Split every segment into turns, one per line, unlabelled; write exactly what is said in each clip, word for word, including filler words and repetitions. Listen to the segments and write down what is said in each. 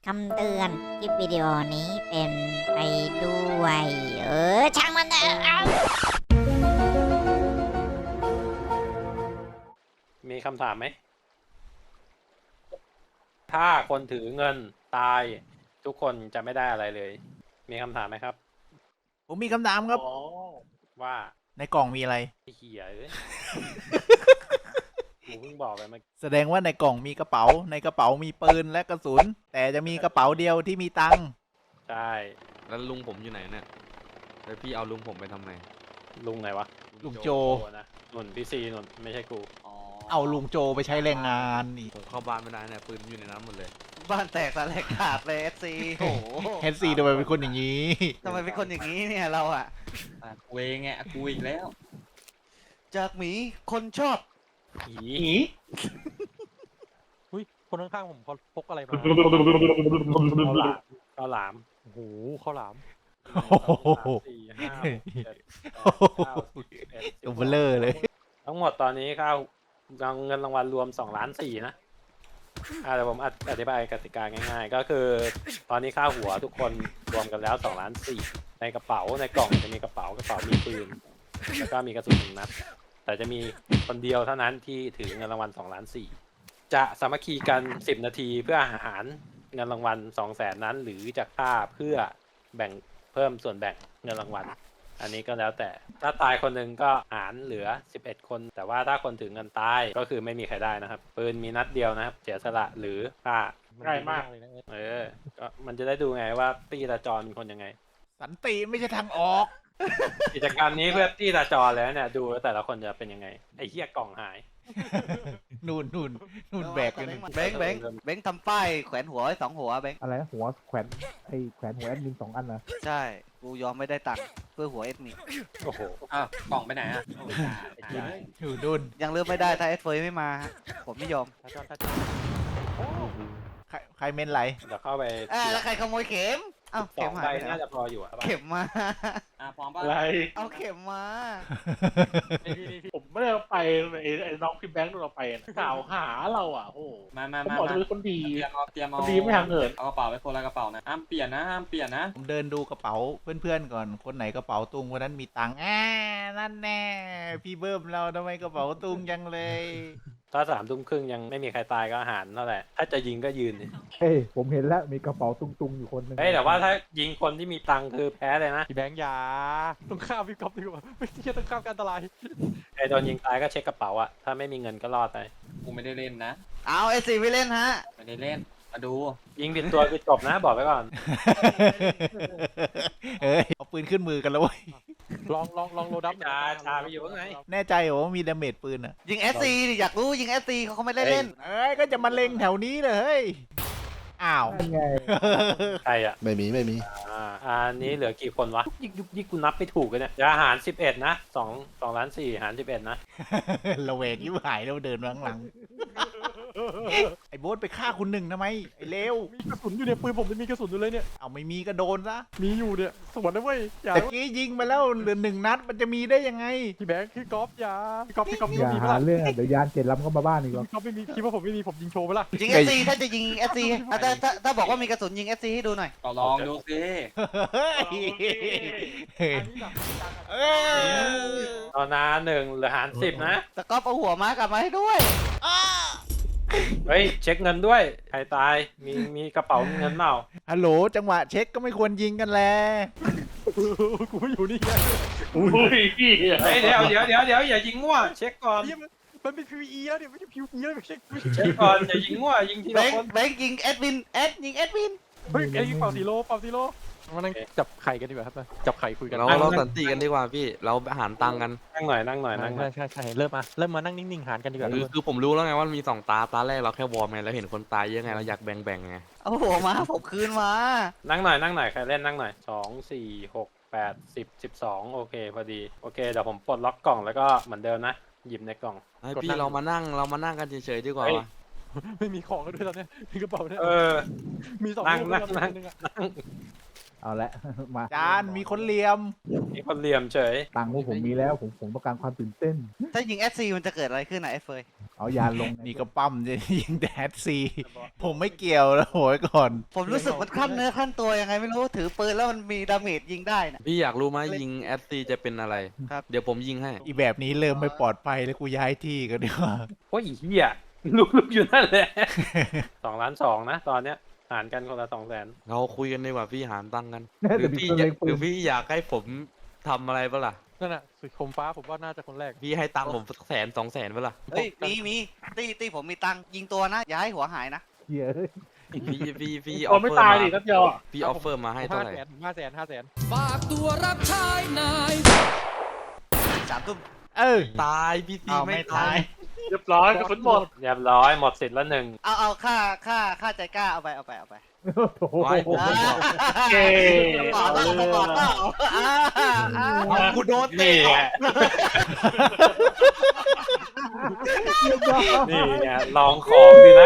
คำเตือนคลิปวิดีโอนี้เป็นไปด้วยเออช่างมันเถอะเอา
มีคำถามไหม ถ้าคนถือเงินตายทุกคนจะไม่ได้อะไรเลย มีคำถามไหมครับ
ผมมีคำถามครับ
อ๋อว่า
ในกล่องมีอะไร
ไอ้เหี้ยเอ้ย กูเพิ่งบอกไปเมื่อกี้
แสดงว่าในกล่องมีกระเป๋า ในกระเป๋ามีปืนและกระสุน แต่จะมีกระเป๋าเดียวที่มีตังค์
ใช่
แล้วลุงผมอยู่ไหนเนี่ยแล้วพี่เอาลุงผมไปทำไม
ลุงไหนวะ
ลุงโจ
โจนะหนุนพี่ซีหนุนไม่ใช่กู
เอาลุงโจไปใช้แรงงานนี่
ผมเข้าบ้านไม่ได้เนี่ยปืนอยู่ในนั้นหมดเลย
บ้านแตกสลายขาดเลยเอสซีโอ้โห
เฮดซีทำไมเป็นคนอย่างนี้
ทำไมเป็นคนอย่างนี้เนี่ยเราอะ
อ่ะกูเองไงกูอีกแล้ว
จากหมีคนชอบ
ผี
อุ้ยคนข้างๆผมเขาพกอะไรมา
ข้าวหลาม
โอ้โหข้าวหลาม
โอ้โห
สามสี่ห้าหกเจ็ดแปดเก้าสิบสิบเอ็ดสิบส
ตั
อง
วเบลเลอร์เลย
ทั้งหมดตอนนี้ข้าวเงินรางวัลรวมสองล้านสี่นะอ่าเดี๋ยวผมอธิบายกติกาง่ายๆ ก็คือตอนนี้ค่าหัวทุกคนรวมกันแล้วสองล้านสี่ในกระเป๋าในกล่องจะมีกระเป๋ากระเป๋ามีปืนแล้วก็มีกระสุนหนึ่งนัดแต่จะมีคนเดียวเท่านั้นที่ถือเงินรางวัลสองล้านสี่จะสามัคคีกันสิบนาทีเพื่อหารเงินรางวัลสองแสนนั้น หรือจะฆ่าเพื่อแบ่งเพิ่มส่วนแบ่งเงินรางวัล อันนี้ก็แล้วแต่ถ้าตายคนหนึ่งก็หารเหลือสิบเอ็ดคน แต่ว่าถ้าคนถึงเงินตายก็คือไม่มีใครได้นะครับปืนมีนัดเดียวนะครับเสียสละหรือฆ่า ง่ายมาก
เลยนะเอิร์ธ
เออก็มันจะได้ดูไงว่าตี้ตาจรเป็นคนยังไง
สันติไม่ใช่ทางออก
กิจกรรมนี้เพื่อตี้ตาจรแล้วเนี่ยดูแล้วแต่ละคนจะเป็นยังไงไอ้เหี้ยกล่องหาย
นู่นนู่นนู่นแบกกัน
เบงค์เบงค์เบงค์ทำป้ายแขวนหัวไว้สองหัวเบงค์
อะไรนะหัวแขวนไอ้แขวนหัวแอดมินสองอันนะ
ใช่กูยอมไม่ได้ตังค์เพื่อหัวเอสมี
โอ้โห
อ้าวกล่องไปไหนอ่ะ
อยู่นู่น
ยังเลือกไม่ได้ถ้าเอสเฟยไม่มาฮะผมไม่ยอม
ถ้าจอนถ้าจอน
ใครใครเมนไหล
เดี๋ยวเข้าไป
อ่าแล้วใครขโมยเข็มเอ้า
ส
เข็
อ
ม
ง
หา
ใบ
ยไปไหน
น่าจะพออยู่อะ
เข็มมา
อ่ะพร้อมป่ะ
อะไร
เอาเข็มมา
นี่นี่นี่
ผมไม่ได้เอาไปไอ้ไอ้น้องพี่แบงค์โดนเอาไปนะกล่าวหาเราอ่ะโอ้โห
มามา
ผม
มา
บอก
มา
จะเป็นคนดี
เตรียมเอาเตรียมเอา
คนดีไม่ห่างเหิน
เอากระเป๋าไปคนละกระเป๋านะห้ามเปลี่ยนนะห้ามเปลี่ยนนะ
ผมเดินดูกระเป๋าเพื่อนๆก่อน คนไหนกระเป๋าตุงคนนั้นมีตังค์อ่านั่นแน่ พี่เบิ้มเราทำไมกระเป๋าตุงยังเลย
ถ้าสามทุ่มครึ่งยังไม่มีใครตายก็อาหารเท่าไหร่ถ้าจะยิงก็ยืนดิ
เฮ้ยผมเห็นแล้วมีกระเป๋าตุงๆอยู่คนหนึง
เฮ้ยแต่ว่าถ้ายิงคนที่มีตังค์คือแพ้เลยนะ
พี่แบงค์อยาต้องข้ามพี่ก๊อฟดีกว่าไม่ใช่ต้องข้ามการอันตราย
ไอ้โดนยิงตายก็เช็คกระเป๋าอะถ้าไม่มีเงินก็รอดไป
กูไม่ได้เล่นนะ
เอาเอสซีไม่เล่นฮะ
ไม่ได้เล่นมาดู
ยิงผิดตัวคือจบนะบอกไว้ก่อน
เฮ้ยเอาปืนขึ้นมือกันแล้วเว้ย
ลองลองลองโลดับ
ชาชาไปอยู่ข้างใน
แน่ใจเหรอว่ามีดาเมจปืนอ่ะ
ยิงเอสซีอยากรู้ยิงเอสซีเขาเขาไม่ได้เล่น
เอ้ยก็จะมาเล็งแถวนี้เลยเฮ้ย อ้าว
นั่นไง
ใครอะ
ไม่มีไม่มี
อ่าอันนี้เหลือกี่คนวะยิกยุกยิกกูนับไม่ถูกเลยเนี่ยจะหารสิบเอ็ดนะสองสองล้านสี่หารสิบเอ็ดนะ
ระเวกยิ้วหายแล้วเดินมาข้างหลัง ไอ้โบ๊ทไปฆ่าคุณหนึ่งทำไม ไอ้เลว
มีกระสุนอยู่เนี่ยปืนผมจะมีกระสุนอยู่เลยเนี่ย
เอาไม่มีก็โดนซะ
มีอยู่เนี่ยสวนนะเว้ยอย่า
แต่กี้ยิงไปแล้วเหลือหนึ่งนัดมันจะมีได้ยังไง
พี่แบงค์พี่ก๊อฟอย่าพี่ก๊อฟพี่ก๊อฟ
อย่า
มีไหม
หา
ล่ะ
เรื่องอ่ะเดี๋ยวยานเจ็ดลำเข้ามาบ้านอีกหรอก
พี่ก๊อฟไม่มีคิดว่าผมไม่มีผมยิงโชว์ไปละ
ยิงเอสซีถ้าจะยิงเอสซีถ้าถ้าถ้าบอกว่ามีกระสุนยิงเอสซีให้ดูหน่อย
ก็ลองดูสิ
เฮ้ย
อันนี้หนัก
เอ้ย
ตอนนาหนึ่งเหลือหารสิบนะ
สก๊อปเอาหัวม้ากลับมาให้ด้วย
เฮ้ยเช็คเงินด้วยใครตายมีมีกระเป๋าเงินเปล่า
ฮัลโหลจังหวะเช็คก็ไม่ควรยิงกันแล
กูไม่อยู่นี่ไง
อุ้ยพี่
เฮ้ยเดี๋ยวเดี๋ยวเดี๋ยวเดี๋ยวอย่ายิงมั่วเช็คก่อน
เหี้ยมันมันเป็น พี วี อี แล้วเนี่ยไม่ใช่ พี วี อี แล้วไม่ใช่ไม่ใช่
เช็คก่อนอย่ายิงมั่วยิงที
เบ
ละ
ง
คน
ค์เบงค์ยิงเอดวินเอดยิงเอดวิน
เฮ้ยไอ้เป่าสีโลเป่าสีโลมานั่งจับไข่กันดีกว่าครับมาจับไข่คุยกัน
เราเราสันติกันดีกว่าพี่เราหารตังค์กัน
นั่งหน่อยนั่งหน่อยนั่งหน่
ใช่
อย
ใช่ใช่เริ่มมาเริ่มมานั่งนิ่งๆหารกันดีกว่า
คือคือผมรู้แล้วไงว่ามีสองตาตาแรกเราแค่วอร์มไงแล้วเห็นคนตายเยอะไงเราอยากแบ่งแบ่งไง
เอาหัวม้าผมคืนมา
นั่งหน่อยนั่งหน่อยใครเล่นนั่งหน่อยสองสี่หกแปดสิบสิบสองโอเคพอดีโอเคเดี๋ยวผมปลดล็อกกล่องแล้วก็เหมือนเดิมนะหยิบในกล่อง
ไอพี่เรามานั่งเรามานั่งกันเฉยๆดีกว่า
เฮ้ย
วะ
ไม่มีของกันด้วยตอนเนี้ยมีกระเป๋าเนี่ย
เออ
มีสอง
นั่ง
ลูก
นั่ง
ด้วย
นั่ง
นึงอะ
นั่ง
เอาละ มา
จานมีคนเหลี่ยม
มีคนเหลี่ยมเฉย
ตังค์พวกผมมีแล้วผมผมต้องการความตื่นเต้น
ถ้ายิงเอสซีมันจะเกิดอะไรขึ้นนะเอสเฟย
เอาเอายานลง
นี่ก็ปั้มจะยิงแต่แอดซีผมไม่เกี่ยวแล้วโหยก่อน
ผมรู้สึกมันขั้นเนื้อขั้นตัวยังไงไม่รู้ถือปืนแล้วมันมีดาเมจยิงได้นะ
พี่อยากรู้ไหมยิงแอดซีจะเป็นอะไร
ครับ
เดี๋ยวผมยิงให้
อีแบบนี้เริ่มไม่ปลอดภัยแล้วกูย้ายที่กันดีกว่า
โอ้ยเหี้ยลุกลุกอยู่นั่นแหละ สองล้านสองนะตอนเนี้ยหารกันคนละสองแสน
เราคุยกันดีกว่าพี่หารตังค์กัน
แน่
หรื
แต่
อ
มี
พี่
ตัว
อยา
เล็
ก
งปื
หรื
น
อพี่อยากให้ผมทำอะไรปะล่ะ
นั่นน่ะสุดคมฟ้าผมว่าน่าจะคนแรก
พี่ให้ตังค์ผมสักแสนสองแสนปะล่ะ
เฮ้ยมีมีตีตีผมมีตังค์ยิงตัวนะอย่าให้หัวหายนะ
เหี้ยเอ้ย
พี่พี่พี่อ
ค
อน ฟ
ไม่
เฟอร์
ตาย
มา
ดินัดเดียวอ่ะ
พี่ออฟเฟอร์มาให้เท่า
ห้า
ไหร่
แสนห้าแสนห้าแสน
สามทุ่ม
เออ
ตายพี่ซีไม่ตาย
เรียบร้อยกระสุนหมด
เรียบร้อยหมดสิทธิ์ละหนึ่ง
เอาเอาค่าค่าค่าใจกล้าเอาไปเอาไปเอาไป
โอ้โห
ไว้ผม
อ่า
เก๋
ต่อเต้าต่อเต้าอ่าอ่า
เอากูโดนเตะ
นี่ไงนี่ไงลองของดีนะ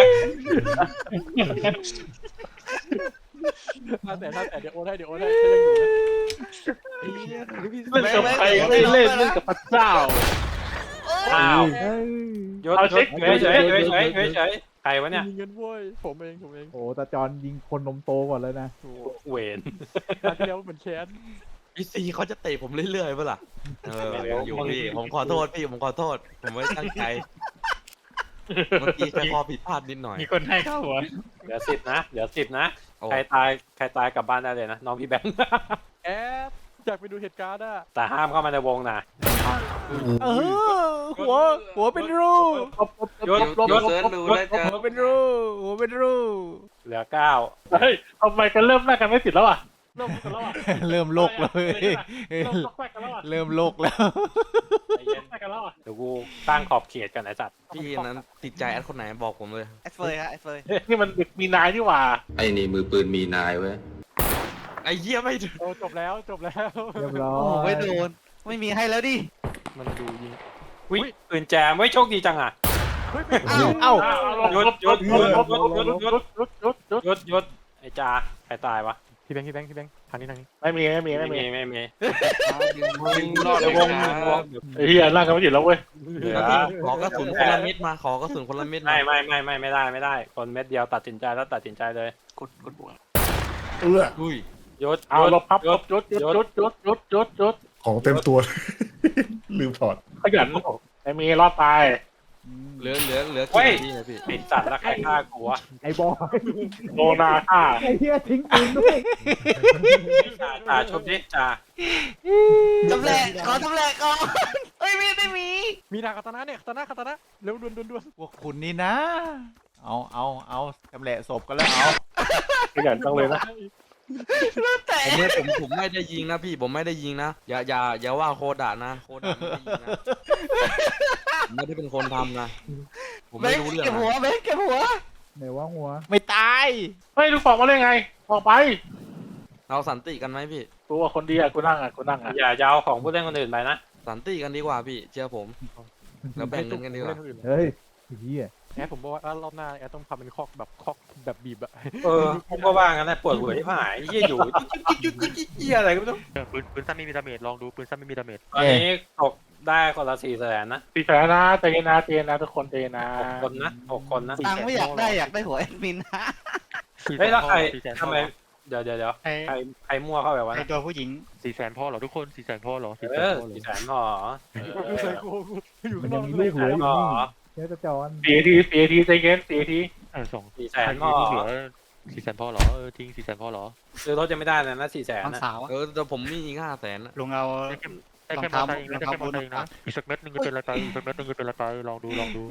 ห้าแสนห้าแสนเดี๋ยวโอนให้เดี๋ยวโอนให้ให้ยังอยู่นะ
เล่นกับใครไม่เล่นเล่นกับพระเจ้า
อ้าว
เฮ้ย
ยศ
เอา
ย
เช็
ศ
ค
เฉยเฉยเฉยเฉยเฉยเฉยใครวะเนี่ย
มีเงินเว้ยผมเองผมเอง
โอ้ตาจอนยิงคนนมโตก่อนเลยนะ
โอ้
เวน
ครั้งที่แล้วเหมือนแค้น
พี่ซีเขาจะเตะผมเรื่อยๆปะล่ะเออยังอยู่พี่ผมขอโทษพี่ผมขอโทษ ผมไม่ตั้งใจเมื่อกี้แค่ข้อผิดพลาดนิดหน่อย
มีคนให้เข้าหัว
เหลือสิบนะเหลือสิบนะ
โอ้
ใครตายใครตายกลับบ้านได้เลยนะน้องพี่แบงค์
แอดอยากไปดูเหตุการณ์อ่ะ
แต่ห้ามเข้ามาในวงนะ
เออหัวหัวเป็นรู
ยศยศ
เซิร์ชดูแล้วจะ
หัวเป็นรูหัวเป็นรู
เหลือเก้า
เฮ้ยทำไมกันเริ่มหน้ากันไม่ติดแล้วอ่ะเริ่มกันแล้วอ่ะ
เริ่มโลกแล้วเว้ย
เริ่มตอกแตกกันแล้วอ่ะ
เริ่มโลกแล้ว
ใจเย็น
แตกกันแล้วอ่ะ
เดี๋ยวกูตั้งขอบเขตกันไอ้สัตว์
พี่นั้นติดใจแอดคนไหนบอกผมเลย
แอดเฟยฮะแอดเฟย
นี่มันเด็กมีนายนี่หว่า
ไอ้นี่มือปืนมีนายเว้ย
ไอ้เหี้ยไม่ถึง
โอ้จบแล้วจบแล้ว
เรียบร้อ
โอ้โห
ย
ไม่โดนไม่มีให้แล้วดิ
มันดูยิง
วิปืนแจมไว้ยโชคดีจังอ่ะ
เฮ้ย
เอ้า
ยศยศยศยศยศยศ
ยุดยุดยุด
ยศยศไอ้จ่าใครตายวะ
พี่แบงค์พี่แบงค์พี่แบงค์ทางนี้ทางนี้
ไม่มีไม่มี
ไม่
ไม่
มี
มี
ไม่มี
ยิงรอด
เดี๋
เลย
ยววง
นะ
วง
ไอ้เหี้ยหน้ากันไม่ติดแล้วเว้ย
เหลือ
ขอกระสุนคนละเม็ดมาขอกระสุนคนละเม็ดมา
ไม่ไม่ไม่ไม่ไม่ได้ไม่ได้ คนเม็ดเดียวตัดสินใจแล้วตัดสินใจเลย
กดกดบวก
เอื้อ
อุ้ย
ยศ
เอาลบพับ
ย
ล
ศ
บยุดยุดยุดยุดยุดยุดยุด
ของเต็มตัว ลืมถอด
ขยันไอ้มีรอดตาย
เหลือเหลือเหลือกี่นาทีนะพี่
ไอ้สัตว์แล้วใครฆ่ากูวะ
ไอ้บอย
โนนาฆ่า
ไอ้เหี้ยทิ้งปืนด้วย
จ่าจ่าชุบดิจ่า
จำแหลกขอจำแหลกก่อนเอ้ยไม่ไม่มี
มีทางคาตานะเนี่ยคาตานะคาตานะเร็วด่วนด่วนด่วน
พวกคุณนี่นะ เอาเอาเอาจำแหละศพกันแล้วเอา
ขยันจังเลยนะ
แต่
ผมไม่ผมผมไม่ได้ยิงนะพี่ผมไม่ได้ยิงนะอย่าอย่าอย่าว่าโคดะนะโคดะไม่ได้ยิงนะผมไม่ได้เป็นคนทำนะผม
เบ
ไม่
ง
รู้เรื่อง
เก็บหัว
นะ
เบงเก็บหัว
ไหนว่าหัว
ไม่ตาย
เฮ้ยลูกฟองมาได้ไงออกไป
เราสันติกันไหมพี่
กูว่าคนดีอ่ะกูนั่งอ่ะกูนั่งอ่ะ
อย่าจะเอาของผู้เล่นคนอื่นไปนะ
สันติกันดีกว่าพี่เชื่อผมแล้วแบ่งเงินกันดีกว่า
เล่นคนอื่น
เฮ้ยไอ้เหี้ย
แอดผมบอกว่ารอบหน้าแอดต้องทำเป็นคอกแบบคอกแบบบีบอะ
เออผมก็ว่างั้นแหละปวดหัวที่หายเยี่ยอยู่จิ๊กจิ๊กจิ๊กจิ๊กจิ๊กอะไรก็ไม่รู้
ปืนปืนสั้นไม่มีดาเมจลองดูปืนสั้นไม่มีดาเมจ
ตอนนี้ตกได้คนละสี่แสนนะ
ตีแผลนะใจเย็นนะใจเย็นนะทุกคนใจเย็นนะ
หกคนนะหกคนนะ
ตังค์ไม่อยากได้อยากได้หัวแอดมินนะ
เฮ้ยแล้วใครทำไมเดี๋ยวเดี๋ยวเดี๋ยวใครใครมั่วเข้าไปวะนะ
ตัวผู้หญิง
สี่แสนพ่อเหรอทุกคนสี่แสนพ่อเหรอสี่แส
เอน อ
พ่อเหรอ
สี่แสนพอ
ใส่กูอยู่
มั
ข้าน งน
ยั
อง ก
มีลูกเหลืออยู่
พอ
นี่เจ้าตาจอน
สี่ทีสี่ทีใจเย็นสี่ที
เออสอง
สี่แสนพอ
สี่แสนพ่อเหรอเออจริงสี่แสนพ่อเหรอ
ซื้อรถจะไม่ได้เลยนะสี่แสน
น้อง
นะ
สาว
เออแต่ผมมีอีกห้าแสน
ลุงเอา
ได้แค่มอเตอร์ไซค์เองนะได้แค่มอเตอร์ไซค์เองนะอีกสักเม็ดนึงจะเป็นอะไรไปอีกสักเม็ดนึงจะเป็นอะไรไปลองดูลองดู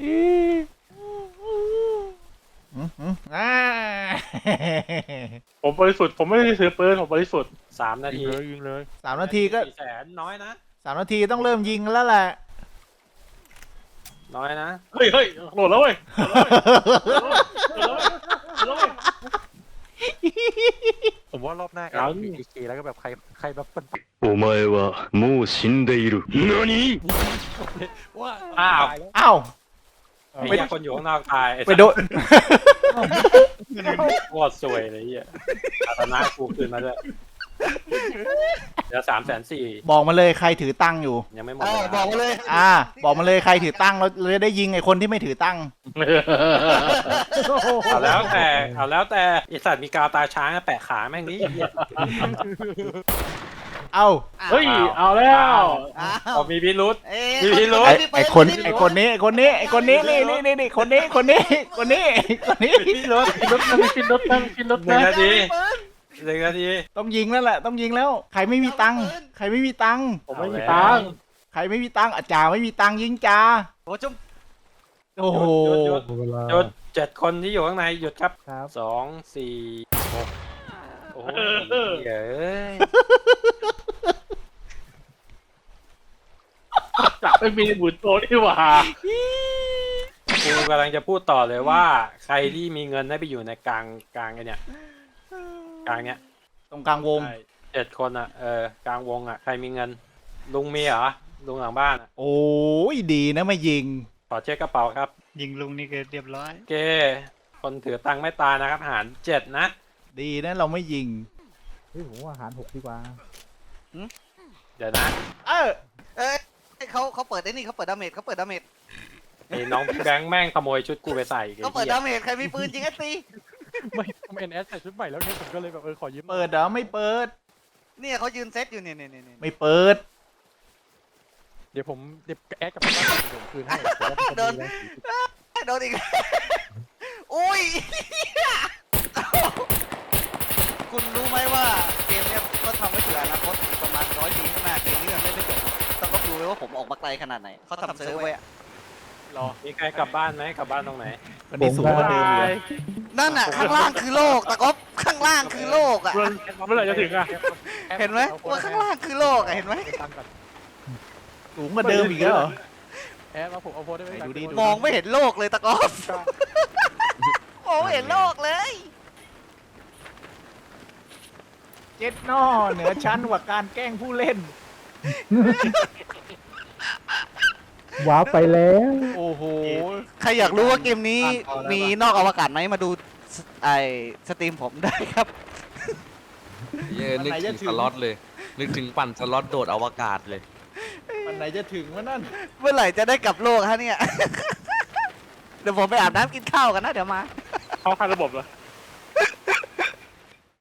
อืมอืมอ่า
ผมบริสุทธิ์ผมไม่ได้ซื้อปืนผมบริสุทธิ์
สามนา
ยิ
ที
งเลยยิงเลย
สามนาทีก็
สี่แสนน้อยนะ
สามนาทีต้องเริ่มยิงแล้วแหละ
น้อยนะ
เฮ้ยเฮ้ยโหลดแล้วเว้ยโหลดแล้วเว้ยโหลดแล้วเว้ย
ผมว่ารอบหน้าแอดมีเอเคแล้วก็แบบใครใครแบบเป็น
お前はもう死んでいる。何
ว่า
อ้าว
อ้าว
ไอ้เหี้ยคนอยู่ข้างนอกตายไอ้
ไปโดน
โคตรสวยเลยไอ้เหี้ยอาตนากูคืนมาด้วยเดี๋ยวสามแสนสี่
บอกมาเลยใครถือตังค์อยู่
ยังไม่หมด
เออ
เลย
บอกมาเลย
อ่า บอกมาเลยใครถือตังค์เราเราจะได้ยิงไอ้คนที่ไม่ถือตังค์
เอาแล้วแต่เอาแล้วแต่ไอสัตว์มีกาวตาช้างแปะขาแม่งนี้
เอ้า
เฮ้ย เอาแล้ว
อ้า
พอ
ว
มีพิรุษ
เอ้ย
มีพิรุธ
ไอ้ไอ้คนไอ้คนนี้ไอ้คนนี้ไอ้คนนี้นี่นี่นี่นี่คนนี้คนนี้คนนี้คนนี้
พิรุษ
รถนั่งกินรถนั่งกินรถ
หนึ่
นั่
ง
ง
นาทีหนึ่งนาที
ต้องยิงแล้วแหละต้องยิงแล้ว ใครไม่มีตังค์ใครไม่มีตังค์
ผมไม่มีตังค์
ใครไม่มีตังค์อาจ่าไม่มีตังค์ยิงจ่า
โอ้จุ๊บ
โอ้โห
หยุด
เวลา
หยุดเจ็ดคนที่อยู่ข้างในหยุดครับ
ครับ
สองสี่หกโอ้โหเย้ย
จับไม่มีหมุนโตนี่หว่า
กูกำลังจะพูดต่อเลยว่า ใครที่มีเงินให้ไปอยู่ในกลางกลางไอเนี่ยกลางเนี้ย
ตรงกลางวง
ใช่เจ็ดคนอ่ะเออกลางวงอ่ะใครมีเงิน ลุงมีเหรอลุงหลังบ้านอะ
โอ้ยดีนะไม่ยิง
ขอเช็คกระเป๋าครับ
ยิงลุงนี่ก็เรียบร้อย
โอเคคนถือตังค์ไม่ตายนะครับหารเจ็ดนะ
ดีนะเราไม่ยิง
เฮ้ยผมว่าอาหารหกดีกว่า
เดี๋ยวนะ
เออ
เอ้ยเขาเขาเปิดไอ้นี่เขาเปิดดาเมจเขาเปิดดาเมจ
ไอ้น้องพี่แบงค์แม่งขโมยชุดกูไปใส่ไอ้
เขาเปิด
เหี้ย
ดาเมจใครมีปืนจริงไอ้ตี
ไม่ผมเอ็นเอสใส่ชุดใหม่แล้วเนี่ยผมก็เลยแบบเออขอยืม
เปิดเหรอไม่เปิด
เนี่ยเขายืนเซตอยู่เนี่ยเนี่ยเนี่ยเนี่ย
ไม่เปิด
เดี๋ยวผมเดี๋ยวแอดกับพี่บ้านเดี๋ยวผมคืนให้เดี๋ยวว่าผมมีแรงถือ
โดนอีก อุ้ย คุณรู้ไหมว่าเกมเนี้ยก็ทำไว้เผื่ออนาคตประมาณร้อยปีข้างหน้าเกมนี้มันเล่นไม่จบต้องก็รู้เลยว่าผมออกมาไกลขนาดไหนเขาทำเซิร์ฟไว้อะ
รอมีใครกลับบ้านไหมกลับบ้านตรงไหน
วันนี้สูงกว่าเดิมเลย
นั่นน่ะข้างล่างคือโลกตะก๊อบข้างล่างคือโลกอ่ะ
เมื่อเมื่อไหร่จะถึงอ่ะ
เห็นไหมว่าข้างล่างคือโลกอ่ะเห็นไหม
สูงกว่าเดิมอีกแล้วเหรอ
แอดมาผมเอาโพสได้ไหม
ไหนดูดิ
มองไม่เห็นโลกเลยตะก๊อบมองไม่เห็นโลกเลย
เจ็ดนอเหนือชั้นกว่าการแกล้งผู้เล่น
ว้าวไปแล้ว
โอ้โห
ใครอยากรู้ว่าเกมนี้มีนอกอวกาศไหมมาดูสไอสตรีมผมได้ครับ
เย้นึกถึงสล็อตเลย นึกถึงปั่นสล็อตโดดอวกาศเลย
วันไหนจะถึงวะนั่น
เมื่อไหร่จะได้กลับโลกฮะเนี่ย เดี๋ยวผมไปอาบน้ำกินข้าวกันนะเดี๋ยวมา
เข้าค่ายระบบเหรอ